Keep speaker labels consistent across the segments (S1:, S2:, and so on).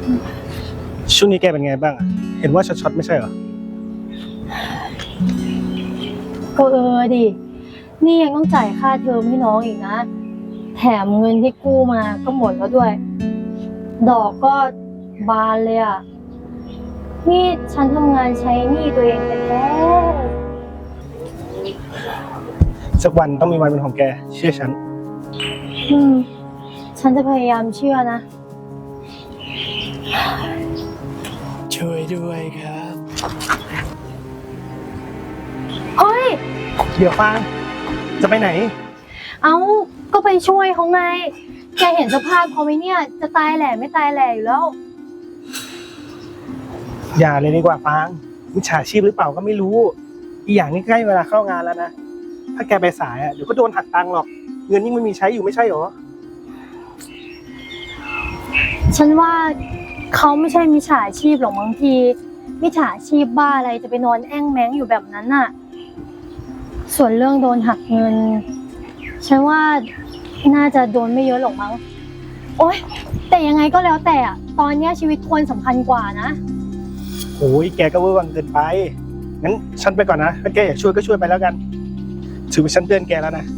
S1: ช่วงนี้แกเป็นไงบ้างอะเห็นว่าช็อตไม่ใช่เหรอ
S2: ก็ดิ นี่ยังต้องจ่ายค่าเทอมให้น้องอีกนะ แถมเงินที่กู้มาก็หมดแล้วด้วย ดอกก็บานเลยอ่ะ นี่ฉันทำงานใช้หนี้ตัวเองแท้
S1: สักวันต้องมีวันเป็นของแกเชื่อฉัน
S2: ฉันจะพยายามเชื่อนะ
S1: ช่วยด้วยครับ
S2: เฮ้ย
S1: เดี๋ยวฟังจะไปไหน
S2: ก็ไปช่วยเขาไง แกเห็นสภาพเขาไหมเนี่ย จะตายแหล่ไม่ตายแหล่อยู่แล้ว
S1: อย่าเลยดีกว่าฟางมิจฉาชีพหรือเปล่าก็ไม่รู้อีกอย่างนี้ใกล้เวลาเข้างานแล้วนะถ้าแกไปสายเดี๋ยวก็โดนหักตังค์หรอกเงินยิ่งไม่มีใช้อยู่ไม่ใช่หรอ
S2: ฉันว่าเขาไม่ใช่มิจฉาชีพหรอกบางทีมิจฉาชีพบ้าอะไรจะไปนอนแอ้งแม้งอยู่แบบนั้นน่ะส่วนเรื่องโดนหักเงินฉันว่าน่าจะโดนไม่เยอะหรอกมั้งโอ๊ยแต่ยังไงก็แล้วแต่ตอนนี้ชีวิตคนสำคัญกว่านะ
S1: โอ้ยแกก็เวอร์วังเกินไปงั้นฉันไปก่อนนะถ้าแกอยากช่วยก็ช่วยไปแล้วกันถือว่าฉันเตือนแกแล้วนะ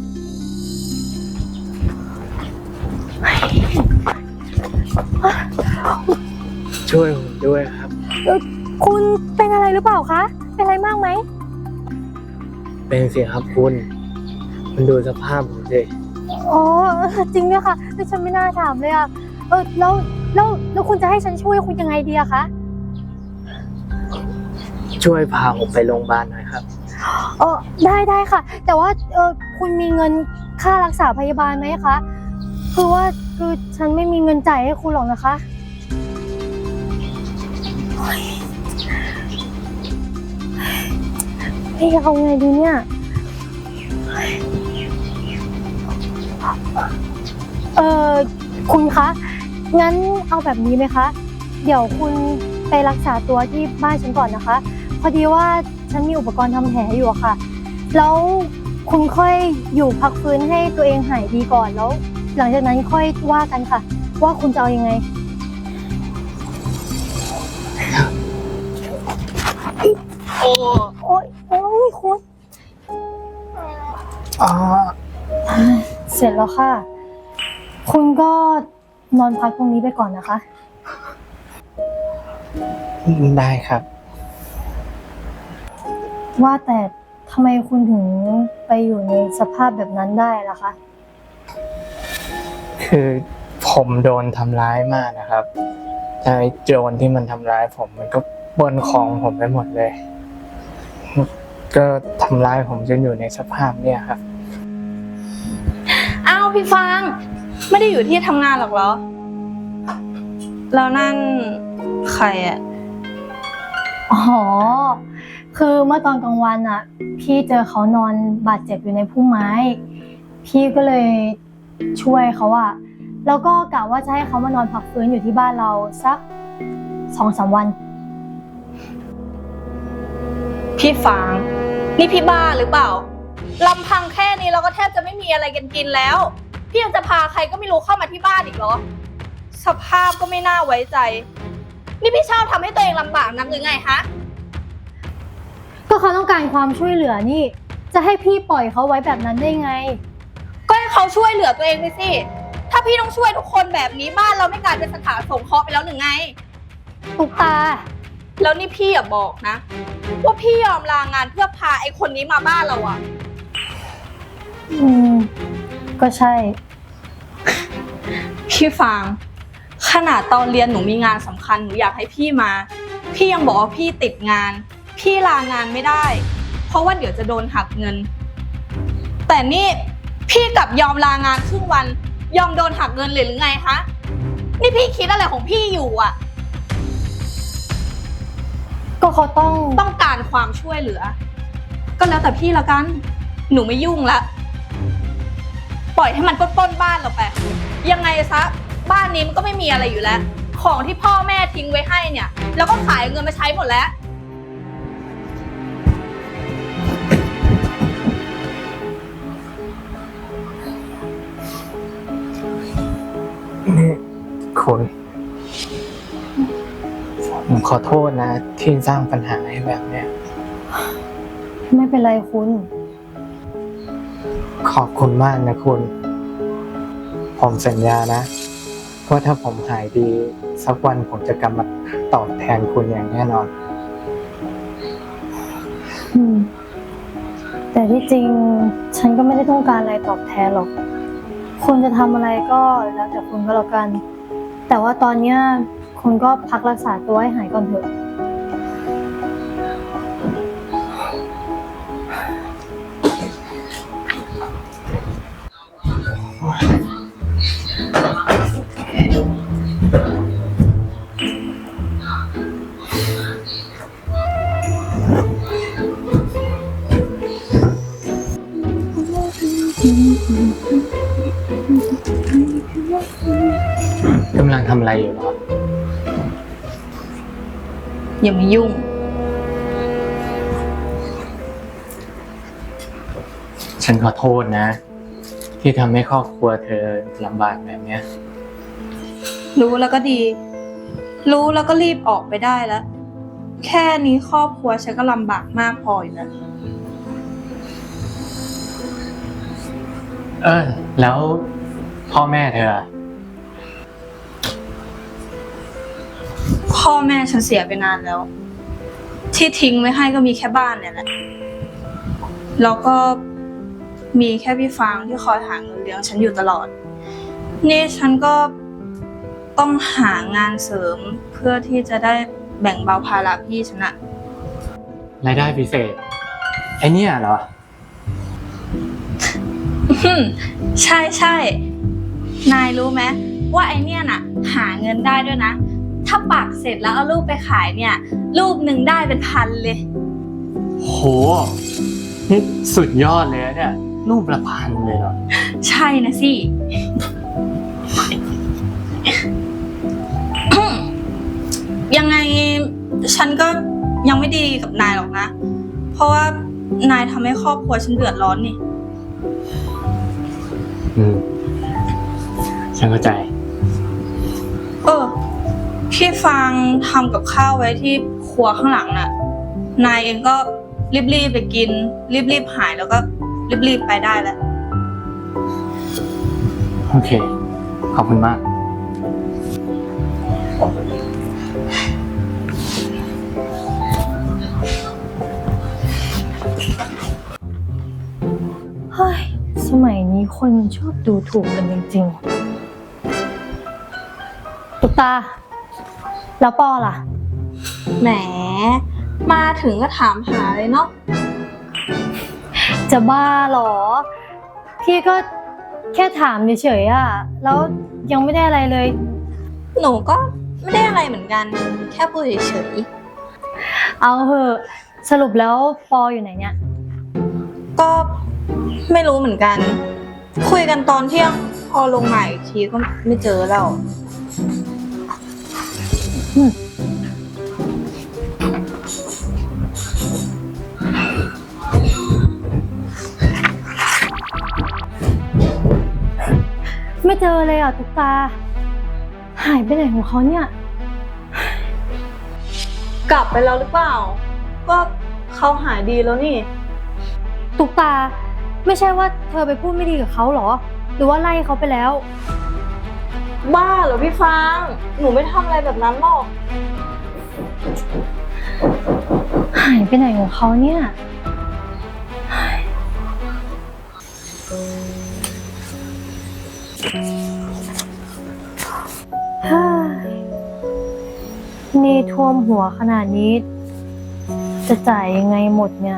S1: ช่วยผมด้วยครับ
S2: คุณเป็นอะไรหรือเปล่าคะเป็นอะไรมากไหม
S1: เป็นสิครับคุณมันดูสภาพผมสิ
S2: อ๋อจริงด้วยค่ะฉันไม่น่าถามเลยแล้วคุณจะให้ฉันช่วยคุณยังไงดีอะคะ
S1: ช่วยพาผมไปโรงพยาบาลหน่อยครับ
S2: ได้ค่ะแต่ว่าคุณมีเงินค่ารักษาพยาบาลไหมคะคือฉันไม่มีเงินจ่ายให้คุณหรอกนะคะเอาไงดีเนี่ยคุณคะงั้นเอาแบบนี้ไหมคะเดี๋ยวคุณไปรักษาตัวที่บ้านฉันก่อนนะคะพอดีว่าฉันมีอุปกรณ์ทำแผลอยู่อะค่ะแล้วคุณค่อยอยู่พักฟื้นให้ตัวเองหายดีก่อนแล้วหลังจากนั้นค่อยว่ากันค่ะว่าคุณจะเอายังไงโอ้ยคุณเสร็จแล้วค่ะคุณก็นอนพักตรงนี้ไปก่อนนะคะ
S1: ได้ครับ
S2: ว่าแต่ทำไมคุณถึงไปอยู่ในสภาพแบบนั้นได้ล่ะคะ
S3: คือผมโดนทำร้ายมากนะครับไอ้โจรที่มันทำร้ายผมมันก็ปล้นของผมไปหมดเลยก็ทำร้ายผมจนอยู่ในสภาพเนี่ยครับ
S4: อ้าวพี่ฟางไม่ได้อยู่ที่ทำงานหรอกเหรอแล้วนั่นใคร
S2: อ๋อคือเมื่อตอนกลางวันพี่เจอเขานอนบาดเจ็บอยู่ในพุ่มไม้พี่ก็เลยช่วยเขาแล้วก็กะว่าจะให้เขามานอนพักฟื้นอยู่ที่บ้านเราสัก 2-3 วัน
S4: พี่ฟางนี่พี่บ้าหรือเปล่าลำพังแค่นี้เราก็แทบจะไม่มีอะไรกินแล้วพี่ยังจะพาใครก็ไม่รู้เข้ามาที่บ้านอีกเหรอสภาพก็ไม่น่าไว้ใจนี่พี่ชอบทำให้ตัวเองลำบากนักหรือไงฮะ
S2: ก็เขาต้องการความช่วยเหลือนี่จะให้พี่ปล่อยเขาไว้แบบนั้นได้ไง
S4: ก็ให้เขาช่วยเหลือตัวเองไปสิถ้าพี่ต้องช่วยทุกคนแบบนี้บ้านเราไม่กลายเป็นสถานสงเคราะห์ไปแล้วหรือไง
S2: ตุกตา
S4: แล้วนี่พี่อย่าบอกนะว่าพี่ยอมลางานเพื่อพาไอ้คนนี้มาบ้านเรา
S2: ก็ใช่
S4: พี่ฟางขนาดตอนเรียนหนูมีงานสำคัญหนูอยากให้พี่มาพี่ยังบอกว่าพี่ติดงานพี่ลางานไม่ได้เพราะว่าเดี๋ยวจะโดนหักเงินแต่นี่พี่กลับยอมลางานครึ่งวันยอมโดนหักเงินเลยหรือไงคะนี่พี่คิดอะไรของพี่อยู่
S2: ก็เขา
S4: ต้องการความช่วยเหลือก็แล้วแต่พี่ละกันหนูไม่ยุ่งละปล่อยให้มันปล้นบ้านเราไปยังไงซะบ้านนี้มันก็ไม่มีอะไรอยู่แล้วของที่พ่อแม่ทิ้งไว้ให้เนี่ยแล้วก็ขายเงินมาใช้หมดแล้ว
S3: นี่คุณผมขอโทษนะที่สร้างปัญหาให้แบบเนี้ย
S2: ไม่เป็นไรคุณ
S3: ขอบคุณมากนะคุณ ผมสัญญานะว่าถ้าผมหายดีสักวันผมจะกลับมาตอบแทนคุณอย่างแน่นอน
S2: อืม แต่ที่จริงฉันก็ไม่ได้ต้องการอะไรตอบแทนหรอก คุณจะทำอะไรก็แล้วแต่คุณก็แล้วกัน แต่ว่าตอนเนี้ยคุณก็พักรักษาตัวให้หายก่อนเถอะ
S3: กำลังทำอะไรอยู่เหรอ
S4: อย่ามายุ่ง
S3: ฉันขอโทษนะ ที่ทำให้ครอบครัวเธอลำบากแบบเนี้ย
S4: รู้แล้วก็ดี รู้แล้วก็รีบออกไปได้แล้ว แค่นี้ครอบครัวฉันก็ลำบากมากพออยู่แล้ว
S3: แล้วพ่อแม่เธอ
S4: พ่อแม่ฉันเสียไปนานแล้ว ที่ทิ้งไว้ให้ก็มีแค่บ้านเนี่ยแหละ แล้วก็มีแค่พี่ฟางที่คอยหาเงินเลี้ยงฉันอยู่ตลอด นี่ฉันก็ต้องหางานเสริมเพื่อที่จะได้แบ่งเบาภาระพี่ฉันอะ
S3: รายได้พิเศษ ไอเนี่ยเหรอ
S4: ใช่ใช่นายรู้ไหมว่าไอเนี่ยน่ะ หาเงินได้ด้วยนะ ถ้าปักเสร็จแล้วเอารูปไปขายเนี่ย รูปหนึ่งได้เป็นพันเลย
S3: โห นี่สุดยอดเลยนะเนี่ย รูปละพันเลยเหรอ
S4: ใช่นะสิ ยังไงฉันก็ยังไม่ดีกับนายหรอกนะ เพราะว่านายทำให้ครอบครัวฉันเดือดร้อนนี่
S3: ฉันเข้าใจ
S4: พี่ฟางทำกับข้าวไว้ที่ครัวข้างหลังน่ะ นายเองก็รีบๆไปกิน รีบๆหายแล้วก็รีบๆไปได้แล้ว
S3: โอเค ขอบคุณมาก
S2: เฮ้ย สมัยนี้คนมันชอบดูถูกกันจริงๆ ตุ๊กตา แล้วปอล่ะ
S4: แหม มาถึงก็ถามหาเลยเนาะ
S2: จะบ้าเหรอ พี่ก็แค่ถามเฉยๆอะแล้วยังไม่ได้อะไรเลย
S4: หนูก็ไม่ได้อะไรเหมือนกัน แค่พูดเฉย
S2: เอาเหอะ สรุปแล้วปออยู่ไหนเนี่ย
S4: ๆก็ไม่รู้เหมือนกัน คุยกันตอนเที่ยงพอลงมาอีกทีก็ไม่เจอแล้ว
S2: ไม่เจอเลยอ่ะตุ๊กตา หายไปไหนของเขาเนี่ย
S4: กลับไปแล้วหรือเปล่า ก็เขาหายดีแล้วนี่
S2: ตุ๊กตา ไม่ใช่ว่าเธอไปพูดไม่ดีกับเขาเหรอ หรือว่าไล่เขาไปแล้ว
S4: บ้าเหรอพี่ฟาง หนูไม่ทำอะไรแบบนั้นหรอก
S2: หายไปไหนของเขาเนี่ย ฮ่านี่ท่วมหัวขนาดนี้ จะจ่ายยังไงหมดเนี่ย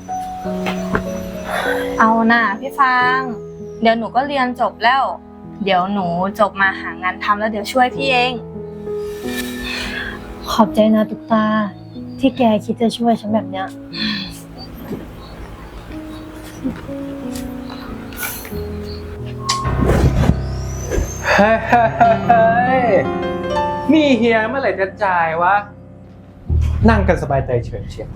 S4: เอาน่ะพี่ฟาง เดี๋ยวหนูก็เรียนจบแล้ว เดี๋ยวหนูจบมาหางานทำแล้วเดี๋ยวช่วยพี่เอง
S2: ขอบใจนะตุ๊กตา ที่แกคิดจะช่วยฉันแบบเนี้ย
S1: เฮ้ยนี่เฮียเมื่อไหร่จะจ่ายวะ นั่งกันสบายใจเฉยเชียว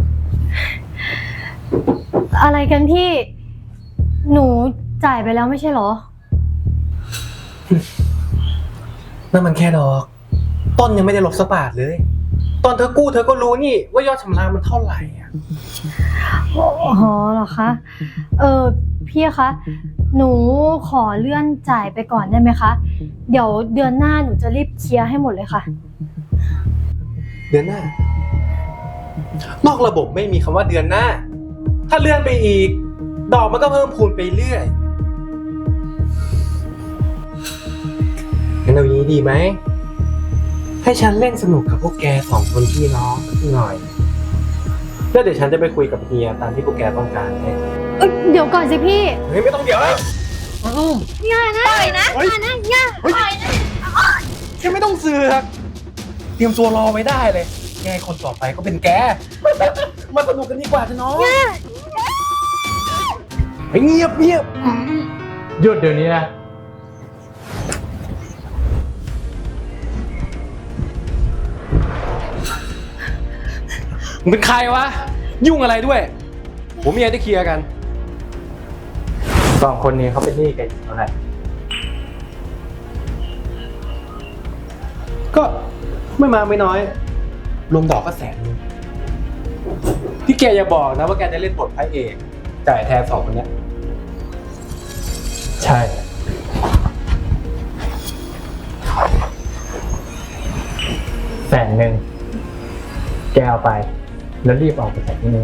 S2: อะไรกันพี่ หนูจ่ายไปแล้วไม่ใช่เหรอ
S1: นั่นมันแค่ดอก ต้นยังไม่ได้ลบสักบาทเลย
S5: ตอนเธอกู้เธอก็รู้นี่ว่ายอดชำระมันเท่าไหร่อะ
S2: อ๋อเหรอคะ พี่คะ หนูขอเลื่อนจ่ายไปก่อนได้ไหมคะ เดี๋ยวเดือนหน้าหนูจะรีบเคลียร์ให้หมดเลยค่ะ
S5: เดือนหน้า นอกระบบไม่มีคำว่าเดือนหน้า ถ้าเลื่อนไปอีก ดอกมันก็เพิ่มพูนไปเรื่อยงั้นเอางี้ดีไหม ให้ฉันเล่นสนุกกับพวกแก2 คนพี่น้องสักหน่อย แล้วเดี๋ยวฉันจะไปคุยกับเฮียตามที่พวกแกต้องการให้
S2: เดี๋ยวก่อนสิพี่
S5: เฮ้ยไม่ต้องเดี๋ยวแล้ว
S2: อย่านะปล่อยนะอย่านะอย่าปล่อยนะ
S5: แกไม่ต้องเสือกเตรียมตัวรอไว้ได้เลย แกคนต่อไปก็เป็นแก มาสนุกกันดีกว่าจ้ะน้องเฮ้ยเงียบ
S3: หยุดเดี๋ยวนี้นะ
S5: มึงเป็นใครวะ ยุ่งอะไรด้วย ผมมีอะไรจะเคลียร์กัน
S3: 2 คนนี้เขาเป็นหนี้แกอยู่เท่าไหร่
S5: ก็ไม่มากไม่น้อยรวมดอกก็100,000ที่แกอย่าบอกนะว่าแกจะเล่นบทพระเอกจ่ายแทน2 คนเนี้ย
S3: ใช่ 100,000แกเอาไป แล้วรีบออกไปจากที่นี้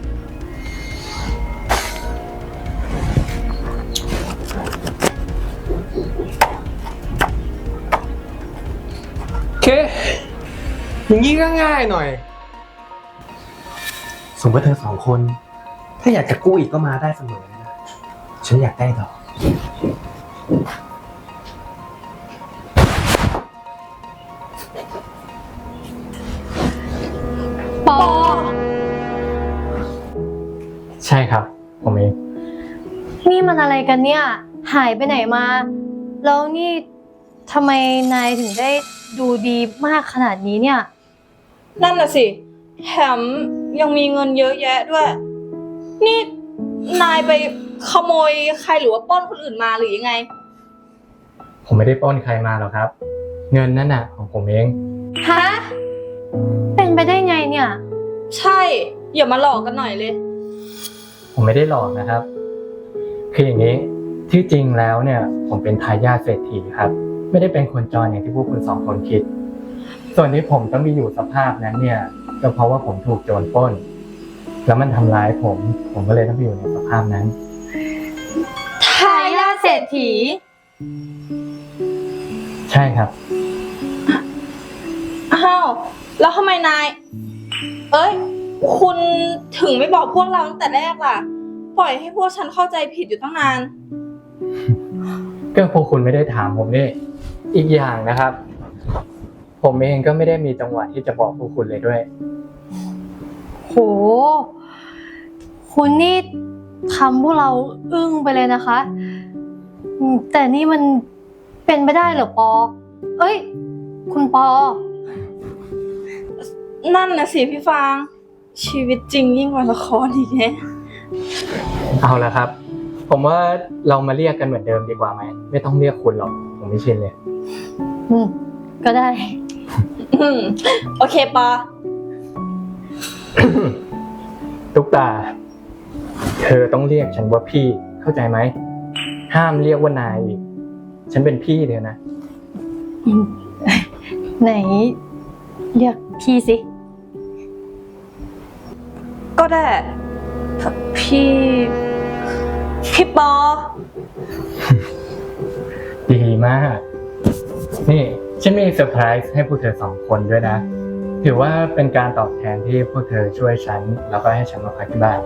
S5: โอเค อย่างนี้ก็ง่ายหน่อย สมมติเธอ2 คน ถ้าอยากจะกู้อีกก็มาได้เสมอนะ ฉันอยากได้ดอก
S2: ปอ
S3: ใช่ครับ ผมเอง
S2: นี่มันอะไรกันเนี่ย หายไปไหนมา แล้วนี่ทำไมนายถึงได้ดูดีมากขนาดนี้เนี่ย
S4: นั่นน่ะสิ แถมยังมีเงินเยอะแยะด้วย นี่นายไปขโมยใครหรือว่าปล้นคนอื่นมาหรือยังไง
S3: ผมไม่ได้ปล้นใครมาหรอกครับ เงินนั่นน่ะของผมเอง
S2: ฮะ เป็นไปได้ไงเนี่ย
S4: ใช่ อย่ามาหลอกกันหน่อยเลย
S3: ผมไม่ได้หลอกนะครับ คืออย่างนี้ ที่จริงแล้วเนี่ย ผมเป็นทายาทเศรษฐีครับ ไม่ได้เป็นคนจรอย่างที่พวกคุณ2 คนคิด ส่วนที่ผมต้องมีอยู่สภาพนั้นเนี่ย ก็เพราะว่าผมถูกโจรปล้น แล้วมันทำร้ายผมก็เลยต้องไปอยู่ในสภาพนั้น
S4: ทายาทเศรษฐี
S3: ใช่ครับ
S4: อ้าว แล้วทำไมนาย เอ้ย คุณถึงไม่บอกพวกเราตั้งแต่แรกล่ะ ปล่อยให้พวกฉันเข้าใจผิดอยู่ตั้งนาน
S3: ก็พวกคุณไม่ได้ถามผมนี่อีกอย่างนะครับ ผมเองก็ไม่ได้มีจังหวะที่จะบอกพวกคุณเลยด้วย
S2: โห คุณนี่ทำพวกเราอึ้งไปเลยนะคะ แต่นี่มันเป็นไปได้เหรอปอ เอ้ย คุณปอ
S4: นั่นนะสิพี่ฟาง ชีวิตจริงยิ่งกว่าละครอีกแฮะ
S3: เอาละครับ ผมว่าเรามาเรียกกันเหมือนเดิมดีกว่าไหม ไม่ต้องเรียกคุณหรอก ผมไม่ชินเลย
S2: ก็ได้
S4: โอเคปอ
S3: ตุ๊กตา เธอต้องเรียกฉันว่าพี่ เข้าใจไหม ห้ามเรียกว่านายอีก ฉันเป็นพี่เธอนะ
S2: ไหน เรียกพี่สิ
S4: ก็ได้ พี่ปอ
S3: ดีมาก นี่ฉันมีเซอร์ไพรส์ให้พวกเธอ2 คนด้วยนะ ถือว่าเป็นการตอบแทนที่พวกเธอช่วยฉัน แล้วก็ให้ฉันมาพักที่บ้าน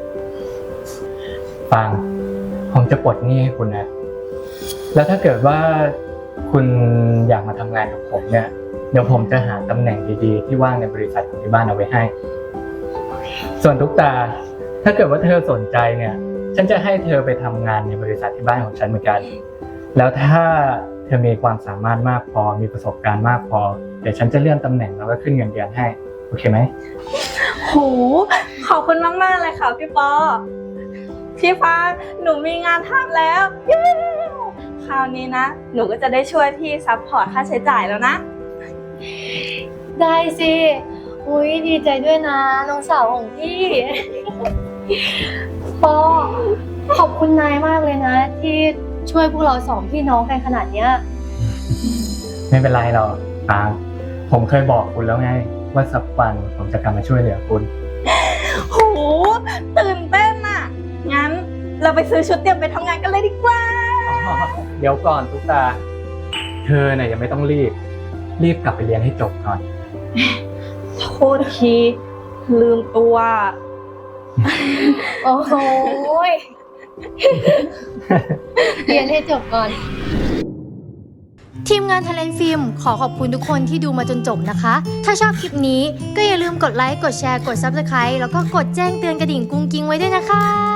S3: ฟัง ผมจะปลดหนี้ให้คุณนะ แล้วถ้าเกิดว่าคุณอยากมาทำงานกับผมเนี่ย เดี๋ยวผมจะหาตำแหน่งดีๆ ที่ว่างในบริษัทของที่บ้านเอาไว้ให้ ส่วนทุกตา ถ้าเกิดว่าเธอสนใจเนี่ย ฉันจะให้เธอไปทำงานในบริษัทที่บ้านของฉันเหมือนกัน แล้วถ้าเธอมีความสามารถมากพอ มีประสบการณ์มากพอ เดี๋ยวฉันจะเลื่อนตำแหน่งแล้วก็ขึ้นเงินเดือนให้ โอเคไหม
S4: โห ขอบคุณมากๆเลยค่ะพี่ปอ พี่ฟางหนูมีงานทำแล้วเย้คราวนี้นะ หนูก็จะได้ช่วยพี่ซัพพอร์ตค่าใช้จ่ายแล้วนะ
S2: ได้สิอุ้ยดีใจด้วยนะน้องสาวของพี่ ปอขอบคุณนายมากเลยนะ ที่ช่วยพวกเราสองพี่น้องกันขนาดเนี้ย
S3: ไม่เป็นไรหรอกฟางผมเคยบอกคุณแล้วไง ว่าสักวันผมจะกลับมาช่วยเหลือคุณ
S4: โหตื่นเต้นอ่ะ งั้นเราไปซื้อชุดเตรียมไปทำงานกันเลยดีกว่า
S3: เดี๋ยวก่อนตุ๊กตา เธอเนี่ยยังไม่ต้องรีบกลับไปเรียนให้จบก่อน
S4: โทษทีลืมตัว
S2: โอ้โหย เรียนให้จบก่อน ทีมงาน Talent Film ขอขอบคุณทุกคนที่ดูมาจนจบนะคะ ถ้าชอบคลิปนี้ก็อย่าลืมกดไลค์ กดแชร์ กด Subscribe แล้วก็กดแจ้งเตือนกระดิ่งกุ้งกิ้งไว้ด้วยนะคะ